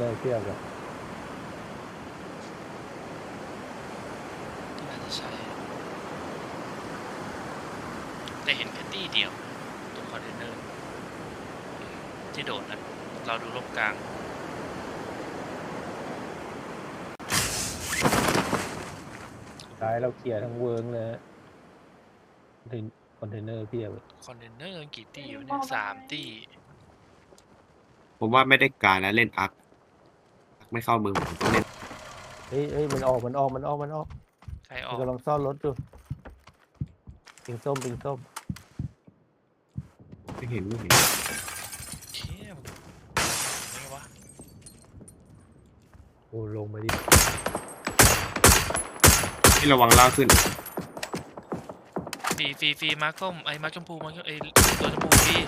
อเทียบเลยน่าจะใช่แต่เห็นแค่ตี้เดียวตรงคอนเทนเนอร์ที่โดดนะเราดูลบกลางท้ายเราเคลียร์ทั้งเวิร์กเลยคอนเทนเนอร์เทียบเลยคอนเทนเนอร์กี่ตี้อยู่เนี่ย3 ตี้ผมว่าไม่ได้การแล้วเล่นอักไม่เข้ามือผมต้องเล่นเฮ้ยมันออกใครอมัอน กกำลังซ่อนรถอยู่ปิงส้มไม่เห็นเชี่ยไงวะโอ้ลงมาดิที่ระวังล่างขึ้นฟรีมาร์คส้มไอ้มาร์คชมพูมาร์คไอ้ตัวชมพูฟรี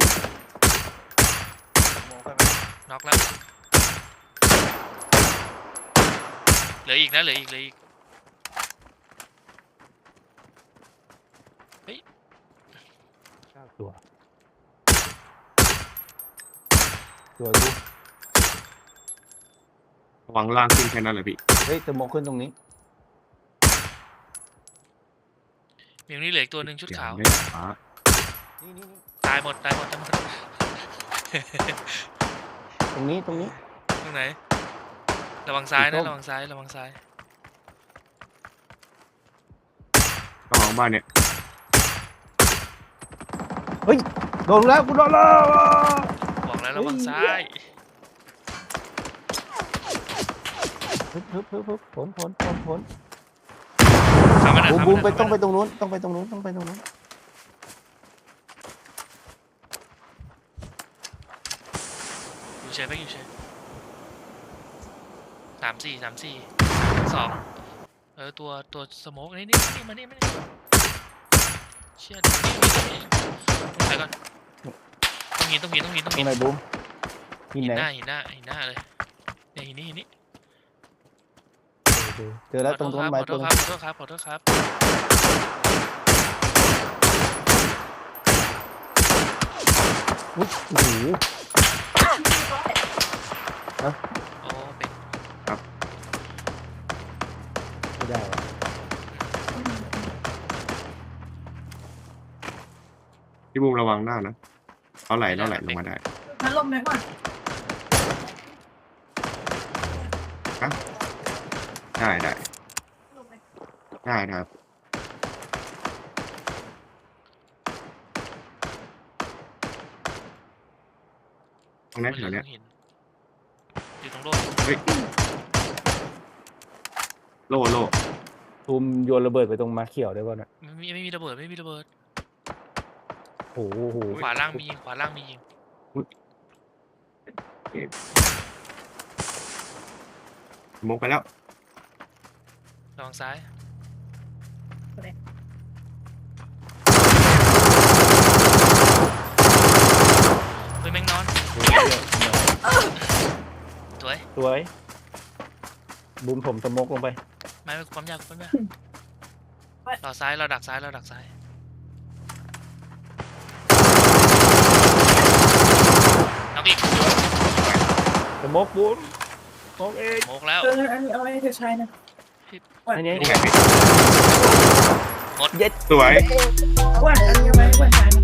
น็อกแล้วเหลืออีกนะเหลืออีกเฮ้ย 9 ตัวดูระวังล่างขึ้นแค่นั้นแหละพี่เฮ้ยจะมองขึ้นตรงนี้มีตรงนี้เหลืออีกตัวหนึ่งชุดขาวไม่ฟ้านี่ตายหมดตรงนี้ตรงไหนระวังซ้ายสีส้นะมระวังซ้ายระวังซ้ายระวังบ้านเนี่ยเฮ้ยโดนแล้วกูโดนแล้วบอกแล้วระวังซ้ายฮึบผลทำมันหน่อยบูมทำมันหน่อยต้องไปตรงนู้นต้องไปตรงนู้นอยู่เฉยไปอยู่เฉย3-4 2ตัวสโมกนี่มานี่เชี่ยนี่ต้องถ่ายก่อนต้องหินตรงไหนบูมหินไหนหินหน้าเลยเนี่ยหินนี่เจอแล้วตรงต้นไม้ขอโทต้ษนครับอุ๊ยโอ้โหโอ้เป็นไม่ได้ว่ะพี่บูมระวังหน้านะเขาไหลลงมาได้พัดลมไหมก่อนได้ครับตรงนั้นแถวเนี้ยอยู่ตรงโลกเฮ้ยโล่ตูมโยนระเบิดไปตรงม้าเขียวได้ป่ะน่ะไม่มีระเบิดโอ้โหขวาล่างมียิงมกไปแล้วระวังซ้ายเฮ้ยแม่งนอนสวยบูมผมสโมกลงไปไม่ความยากเราซ้ายเราดักซ้ายเอาอีกสโมกบูมสโมกเองโมกแล้วอันนี้เอาไว้ให้เธอใช้นะอันนี้นี่ไงพี่หมดเย็ดสวยว่าอันนี้เอาไว้ให้คนใช้นะ